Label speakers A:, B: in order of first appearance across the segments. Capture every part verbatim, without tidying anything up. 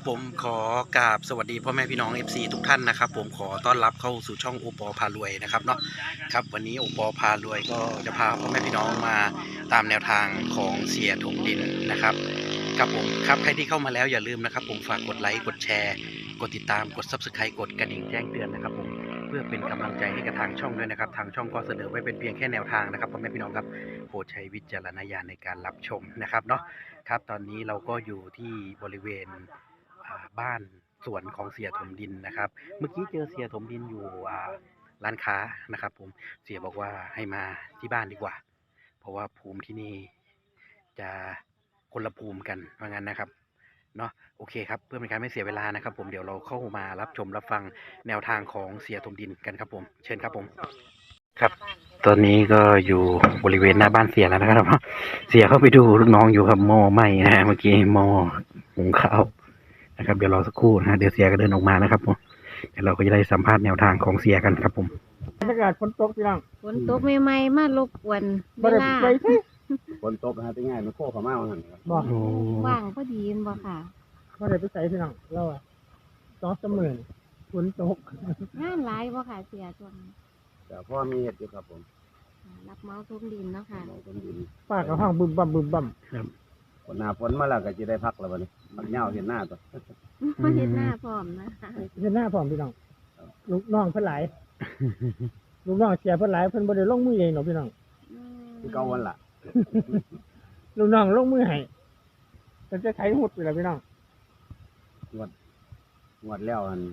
A: ผมขอกราบสวัสดีพ่อแม่พี่น้อง เอฟ ซี ทุกท่านนะครับผมขอต้อนรับเข้าสู่ช่องโอปอพารวยนะครับเนาะครับวันนี้โอปอพารวยก็จะพาพ่อแม่พี่น้องมาตามแนวทางของเสียถมดินนะครับครับผมครับใครที่เข้ามาแล้วอย่าลืมนะครับผมฝากกดไลค์กดแชร์กดติดตามกด ซับสไครบ์ กดกระดิ่งแจ้งเตือนนะครับผมเพื่อเป็นกำลังใจให้กับทางช่องด้วยนะครับทางช่องก็เสนอไว้เป็นเพียงแค่แนวทางนะครับพ่อแม่พี่น้องครับโปรดใช้วิจารณญาณในการรับชมนะครับเนาะครับตอนนี้เราก็อยู่ที่บริเวณบ้านสวนของเสียถมดินนะครับเมื่อกี้เจอเสียถมดินอยู่ร้านค้านะครับผมเสียบอกว่าให้มาที่บ้านดีกว่าเพราะว่าภูมิที่นี่จะคนละภูมิกันเพราะงั้นนะครับเนาะโอเคครับเพื่อเป็นการไม่เสียเวลานะครับผมเดี๋ยวเราเข้ามารับชมรับฟังแนวทางของเสียถมดินกันครับผมเชิญครับผมครับตอนนี้ก็อยู่บริเวณหน้าบ้านเสียแล้วนะครับเสียเข้าไปดูลูกน้องอยู่ครับหม้อไหม้นะเมื่อกี้หม้อหุงข้าวนะครับเดี๋ยวรอสักครู่นะเดี๋ยวเสียก็เดินออกมานะครับผมเดี๋ยวเราก็จะได้สัมภาษณ์แนวทางของเสียกันครับผม
B: บรรยากาศฝนตกพี่น้อง
C: ฝนตกใหม่ๆมารบกวนเวลา
D: ฝนตกนะฮะที่ง่ายมันโค้งเข้ามาว่าหั่นครับ
B: บ่
C: ว่างพอดีบ่ค่ะ
B: บ่ได้ไปใส่พี่น้องเราอ่ะสองสามหมื่นฝนตก
C: งานหลายบ่ค่ะเสียช่วง
D: แต่พ่อมีเห็ดอยู่ครับผม
C: รับเมาทุ่มดินเนาะค่ะ
B: ป้ากับห้องบึมบั่มบึมบั่ม
D: ครับฝนหน้าฝนมาแล้วก็จะได้พักแล้ววันนี้มันเหงาเห็นหน้าตัว
C: มาเห็นหน้าพร้อมนะคะ
B: เห็นหน้าพร้อมพี่น้องลูกน้องเพิ่นหลายลูกน้องเสียเพิ่นหลายเพิ่นบ่ได้ลงมือเองหรอกพี่น้อง
D: คือเก่าวันละ
B: ลูกน้องลงมือให้เพิ่นจะไถหุดไปแล้วพี่น้อง
D: งวดงวดแล้วอัน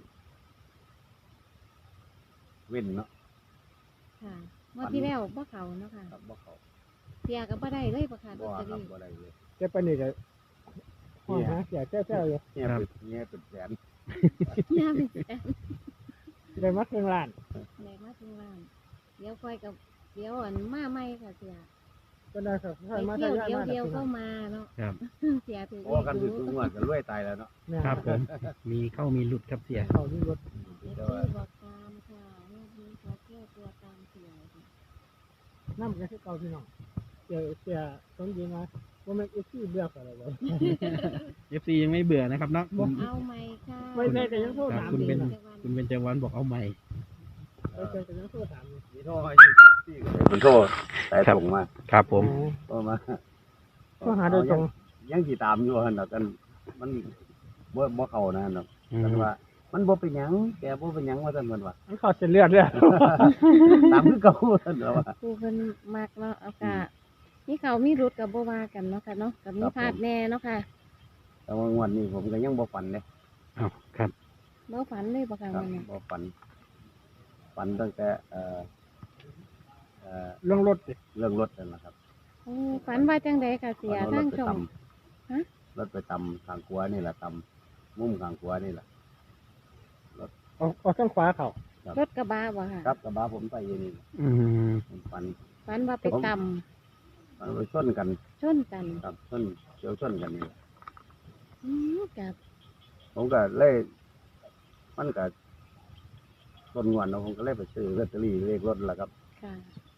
D: เว้นเนาะ
C: ค่ะเมื่อที่แล้วบ่เขาเนาะค่ะ
D: ครับบ่เขา
C: เสียก็บ่ได้เลยบ่ค่ะ
D: บ่ครับบ่ได้เลย
B: แต่ปานนี้ก็ห้องหาเสียแซ่ๆอยู่
D: เนี่ยเป็นเนี่ยเป็นแสน
C: เนี่ยเป็นแสน
B: ได้มาครึ่งล้าน
C: ได้มาครึ่งล้านเดี๋ยวค่อยกับเดี๋ยวอันมาใหม่ค่ะเสีย
B: ก็ได้ครับ
C: ค่อยมาเที่ยวเดียวๆเข้ามาเนาะ
A: ครับ
C: เสียถือ
D: โอ้กันถึงงวดก็รวยตายแล้วเนาะ
A: ครับผมมีเข้ามีหลุดครับเสีย
B: เข้าที่รถ
C: บอกตามค่ะนี่มีขอเที่ยวตัวตามเสีย
B: น้ำก็คือเก่าพี่น้องเสียเสียสมดีมาว่ามันเอฟซีเบื่อกันแล้ว
A: เอฟซียังไม่เบื่อนะครับเนาะ
C: เอาใหม่ค่ะ
B: ไม่ใช่แต่ยังโทษถาม
A: คุณเป็นคุณเป็นเจวันบอกเอาใหม่
B: ไม่ใช่แต่ยังโทษถาม
D: มีโทษให้ยี่สิบสี่เป็นโทษแต่ส่งมา
A: ครับผม
D: ก็มา
B: ก็หาโดยตรง
D: ยังสิตามอยู่หั่นน่ะกันมันบ่บ่เข้านะเนาะกันว่ามันบ่เป็นหยังแกบ่เป็นหยังว่าซั่นเพิ่นว่า
B: มันเข้าเส้นเลือดเลย
D: ตามคือเก่าซั่นแล้วว่า
C: ผู้เพิ่นมักเนาะเอาค่ะนี่เขามีรุดกับบ่ว่ากันเนาะค่ะเนาะกับมีพลาดแน่เนาะค่ะ
D: แต่ว่างวดนี้ผมก็ยังบ่ฝันเด้
A: อ้าวครับ
C: บ่ฝันเลยบ่ค่ะวันนี้
D: บ่ฝันฝันตั้งแต่เอ่อเอ่อ
B: เรื่องรถ
D: เรื่องรถนั่นแหละครับ
C: โอ้ฝันว่าจังได๋ค่ะเสียทางช่อง
D: ฮะรถไปตำทางขวานี่แหละตำมุมทางขวานี่แหละ
B: รถออกออกทางขวาเขา
C: รถกระบะบ่ค่ะ
D: ครับกระบะผมไปอยู่นี่
A: อืม
D: ฝัน
C: ฝันว่าไปตำ
D: ฝันไปชนกัน
C: ชนกัน
D: ครับชนเฉียวชนกันนี่
C: อืมกับ
D: ผมก็เลยมันก็ต้นงวดเนาะผมก็เลยไปซื้อลอตเตอรี่เลขรถล่ะครับ
C: ค่ะ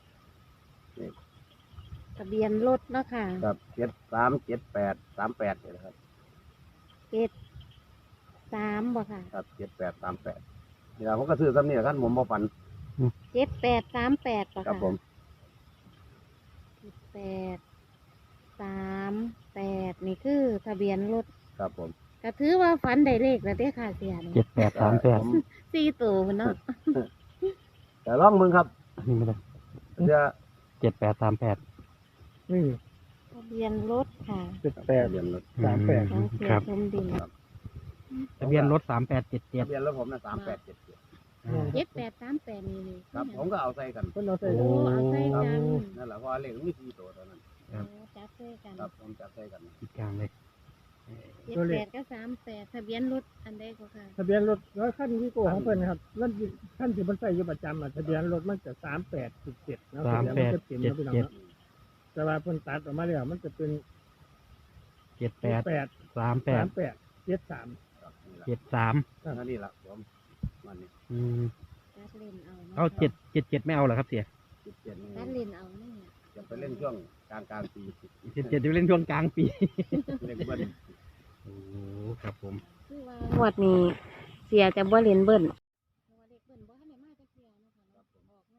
C: ทะเบียนรถเนาะค่ะ
D: ครับเจ็ดสามเจ็ดแปดสามแปดนี่แหละครับ
C: เจ็ดสามบ่ค่ะ
D: ครับเจ็ดแปดสามแปดนี่ล่ะผมก็ซื้อซ้ำนี่แหละครับผมบ่ฝัน
C: เจ็ดแปดสามแปดบ่ค่ะ
D: ครับผม
C: เจ็ดแปดสามแปดนี่คือทะเบียนรถ
D: ครับผม
C: ก็ถือว่าฝันได้เลขแล้วเด้อค่ะเสีย
A: เจ็ดแปดสามแปด
C: สี่ตัวเนาะ
D: แต่ลองมึงครับ
A: นี่ไม่ได้
D: จะ
A: เจ็ดแปดสามแปด
B: นี่
C: ทะเบียนรถค่ะ
B: เจ็ดแปด
D: ทะเบียนรถ
B: สามแปด
A: ครับ
C: ทะเบียน
A: รถสามแปดเจ็ดเจ็ด
D: ทะเบียนรถผมนะสามแปดเจ็ดเจ็ด
C: เจ็ดแปดสามแปดนี่นี่
D: ครับผมก็เอาใส่กัน
B: เพิ่นเอาใส่
C: โอ้เอาใส่กัน
D: นั่นแหละเพราะเลขมีสี่ตัวตอนนั้น
C: จับใส่กัน
D: ครับผมจับใส่กัน
A: ติดกลางเลย
C: เจ็ดแปดก็สามแปดทะเบียนรถอันใดก็ค่ะ
B: ทะเบียนรถแล้วขั้นวิโก้ของเพิ่นครับนั่นขั้นที่มันใส่อยู่ประจำอ่ะทะเบียนรถมันจะสามแปดสิบเจ็ดนะ
A: สามแปดเจ็ดเจ็ด
B: แต่ว่าเพิ่นตัดออกมาแล้วมันจะเป็น
A: เจ็ดแปด
B: แปด
A: สามแปด
B: แปดเจ็ดสาม
A: เจ็ดสาม
D: นั่นนี่แหละผมมันนี่
A: อืมเอาเจ็ดเจ็ดเจ็ดไม่เอาเหรอครับเสีย
D: เจ็ดเจ็ด
C: นี่เล่นเอาเนี่ย
D: จะไปเล่นช่วงกลางกลางปี
A: เจ็ดเจ็ดจะเล่นช่วงกลางปี
D: เล่นเบิ้ล
A: โอ้ครับผม
C: คืคือว่างวดนี้เสียจะบ่เล่นเบิ้ลเพราะว่าเลขเบิ้ลบ่ทันได้มาจักเที่ยเนาะค่ะเนาะออกมา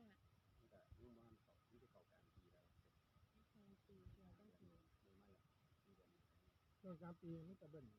B: ช่วงสามปีนี่ตะเบิ่น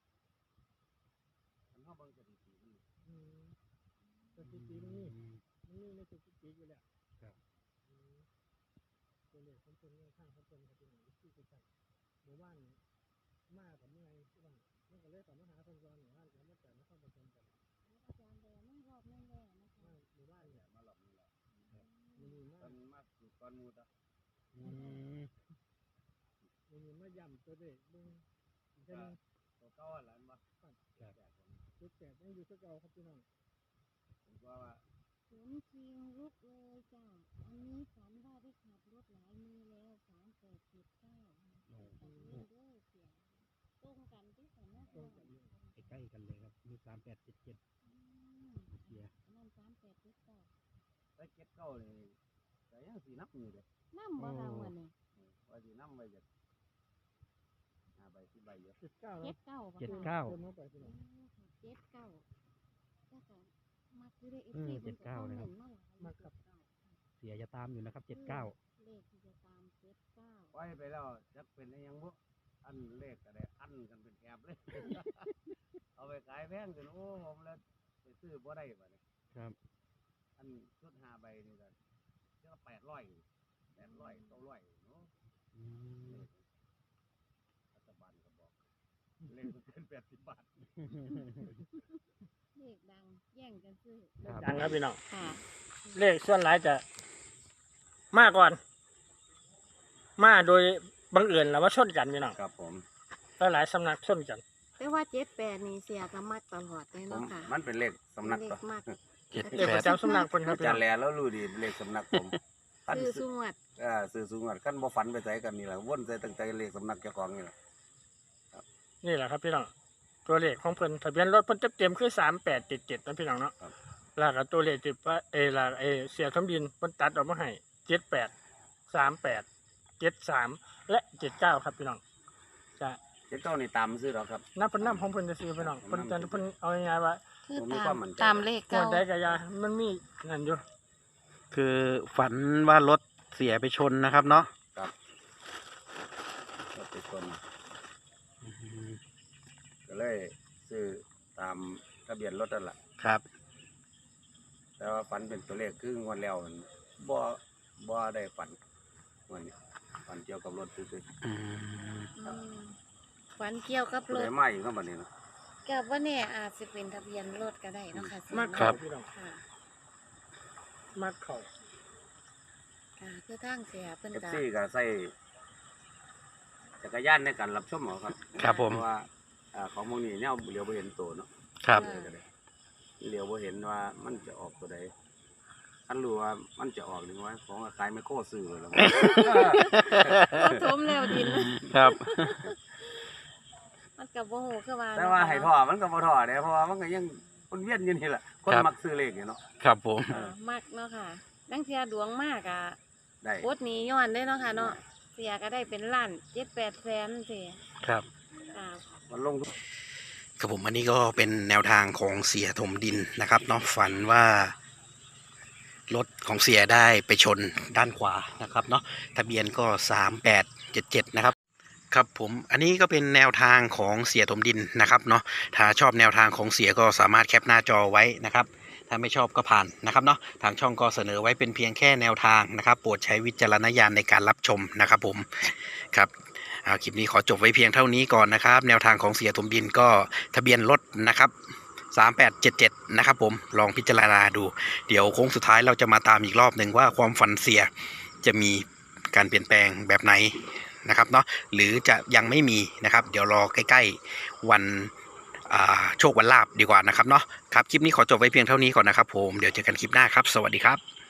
D: มันเฮาเบิ่งสถิตินี่
B: อืมสถิติมันนี่มันนี่ในสถิติอยู่แล้ว
A: ครับ
B: อืมตัวเลขของคนเนี่ยข้างของคนเขาเป็นอย่างนี้ที่กันหมู่บ้านมากับเมื่อยที่บ้านมันก็เลยต่อมาหาคนรอนหมู่บ้านแล้วมาแต่มาเข้าประชุมกัน
C: อาจารย์แดงมารอบนึงแล้วนะคะ
B: มาหมู่บ้านเนี่ย
D: มาหลอกนี่แหละ
B: มันมี
D: ตอ
B: มาน
D: มาสู่ก้อนหมูตะ
A: อืม
B: มันมีมาย่ำตัวเลขเบิ่งอีกเท่านึง
D: ตัวเก่าอันนั้นบ่
B: จุดแปดยังอยู่ที่เก่าครับพี่น้อง
D: ผมว่าว่า
C: ฝนคิงลุกเลยจ้าอันนี้ฝันว่าได้ขับรถหลายมือแล้วสามแปดเจ็ดเก้าตัดเล่นด้วยเสียงตรงกันที่ฝันว่า
B: ตรงกันอยู่
A: ใกล้ๆกันเลยครับมีสามแปดเจ็ดเจ็ด เสีย
C: นั่นสามแปดเจ็ดเก้า
D: ไปเก็บเก่านี่ก็ยังสินับอยู่เด้
C: น้ำบ่เราวันนี้
D: ว่าสินับไว้จักห้าใบสิบใบอยู่
B: เจ็ดเก้า
C: เจ็
B: แล้ว
C: ดเก้าบ่
A: เจ็ด
C: ค่ะ
A: เก้า
B: เติมเข้าไปพี่น้อง
C: เจ็ดเก้าก็จะมาคือได้เอฟ
A: อืม
C: ซี
A: เจ็ดเก้านะครับ
B: มาครับ
A: เสียจะตามอยู่นะครับเจ็ดเก้า
C: เลขที่จะตามเจ็ดเก้า
D: ปล่อยไปแล้วจักเป็นได้ยังบ่อันเลขก็ได้อันกันเป็นแอบเลย เอาไปขายแพงจนโอ้ผมแล้วไปซื้อบ่ได้บัดนี้
A: ครับ
D: อันชุดห้าใบนี่ก็เจ้าแปดร้อยแปดร้อยเก้าร้อยเนาะ
A: อืม
D: รัฐบาลก็บอกเลขมันเกินแปดสิบบาท
C: เลขดังแย่งกันซื้อ
A: ครับ
B: ดังครับพี่น้อง
C: ค่ะ
B: เลขส่วนหลายจะมาก่อน มาโดยบังเอิญแล้วว่าชนกันพี่น้อง
D: ครับผม
B: หลายๆสำนักชนกัน
C: แต่ว่าเจ็ดแปดนี่เสียก็มักตลอดเลย
D: ผม
C: เนาะค่ะ
D: มันเป็นเลขสำนัก
C: เล
D: ต่อ
C: ขมาก
A: เจ็ด
B: เลข
A: แป
B: ป
A: ด
B: ระจำสำนักคนครับ
D: อา
B: พี่
D: จา
B: น้
D: ร
B: อง
D: ย์แลแล้วรู้ดีเลขสำนักผมคัน
C: คือสุงวด
D: อ่าซื้อสูงกว่าคันบ่ฝันไปใส่กันนี่แหละวนใส่ตั้งแต่เลขสำนักเจ้าของนี่แหละ
B: นี่แหละครับพี่น้องตัวเลขของเพิ่นทะเบียนรถเพิ่นเต็มๆคือสามแปดเจ็ดเจ็ดนะพี่น้องเนาะแล้วก็ตัวเลขที่ว่าเออละเออเสียทมดินเพิ่นตัดออกมาให้เจ็ดแปดสามแปดเจ็ดสามและเจ็ดเก้าครับพี่น้องจะ
D: เจ้าเจ้านี่ตามซื้อหรอกครับ
B: นับเป็นน้ำของเพิ่นจะซื้อพี่น้องเพิ่นจะเพิ่นเอาง่ายๆว่า
C: คือ
D: ผมมี
C: ตา
D: ความ มมั่นใจ
C: ตามเลข
B: ก่อ
C: เก้าน
B: ใดกับยามันมีนั่นอยู่
A: คือฝันว่ารถเสียไปชนนะครับเนาะ
D: รถไปชนก็เลยซื้อตามทะเบียนรถนั่นแหละ
A: ครับ
D: แต่ว่าฝันเป็นตัวเลขคืองวดแล้วมันบ่บ่ได้ฝันงวดนี้ฝันเกี่ยวกับรถซื่อ
A: อืม
C: อืมฝันเกี่ยวกับ
D: ๆ
C: ร
D: ได้
C: ถ
D: มาอีกเนาะบัดนี้เนาะ
C: กับว่าเนี่ยอาจจะเป็นทะเบียนรถก็ได้เนาะค่ะ
B: มาก
C: ครั
B: เข่า
C: บ
B: พี่น้อง
C: ค่ะ
B: มากเข่า
C: ค่ะคือทางเสียเพิ่น
D: เอฟ
C: ก็
D: ซีก็ใส่จักรยานในการรับชมเอาครับ
A: ครับผม
D: เพราะว่าอ่าของพวกนี้เนี่ยเลี้ยวบ่เห็นตัวเนาะ
A: ครับ
D: เลยก็ได้เลี้ยวบ่เห็นว่ามันจะออกตัวใดคันรู้ว่ามันจะออกหรือว่าของขายไมโครซื้อเลยแล้ว
C: ก็ทมแล้วดิน
A: ครับ
C: มันกับโมโหคือว่า
D: แต่ว่าให้ท่อมันก็บ่ท่อเด้เพราะว่ามันก็ยังวนเวียนอยู่นี่แหละคน
A: ครับ
D: มักซื้อเลขอยู่เนาะ
A: ครับผม
C: อ่ามักเนาะค่ะดังเทียดวงมากอ่ะ
D: ได้
C: โคตรนี้ย้อนได้เนาะค่ะเนาะเสียก็ได้เป็นล้านเจ็ดแปดแสนเสีย
A: ครับ
C: ค่ะ
D: มันลงทุน
A: ครับผมอันนี้ก็เป็นแนวทางของเสียถมดินนะครับเนาะฝันว่ารถของเสียได้ไปชนด้านขวานะครับเนาะทะเบียนก็สามแปดเจ็ดเจ็ดนะครับครับผมอันนี้ก็เป็นแนวทางของเสียถมดินนะครับเนาะถ้าชอบแนวทางของเสียก็สามารถแคปหน้าจอไว้นะครับถ้าไม่ชอบก็ผ่านนะครับเนาะทางช่องก็เสนอไว้เป็นเพียงแค่แนวทางนะครับโปรดใช้วิจารณญาณในการรับชมนะครับผมครับ อ่าคลิปนี้ขอจบไว้เพียงเท่านี้ก่อนนะครับแนวทางของเสียถมดินก็ทะเบียนรถนะครับสามแปดเจ็ดเจ็ดนะครับผมลองพิจารณาดูเดี๋ยวโค้งสุดท้ายเราจะมาตามอีกรอบหนึ่งว่าความฝันเสียจะมีการเปลี่ยนแปลงแบบไหนนะครับเนาะหรือจะยังไม่มีนะครับเดี๋ยวรอใกล้ๆวันอ่าโชควันลาบดีกว่านะครับเนาะครับคลิปนี้ขอจบไว้เพียงเท่านี้ก่อนนะครับผมเดี๋ยวเจอกันคลิปหน้าครับสวัสดีครับ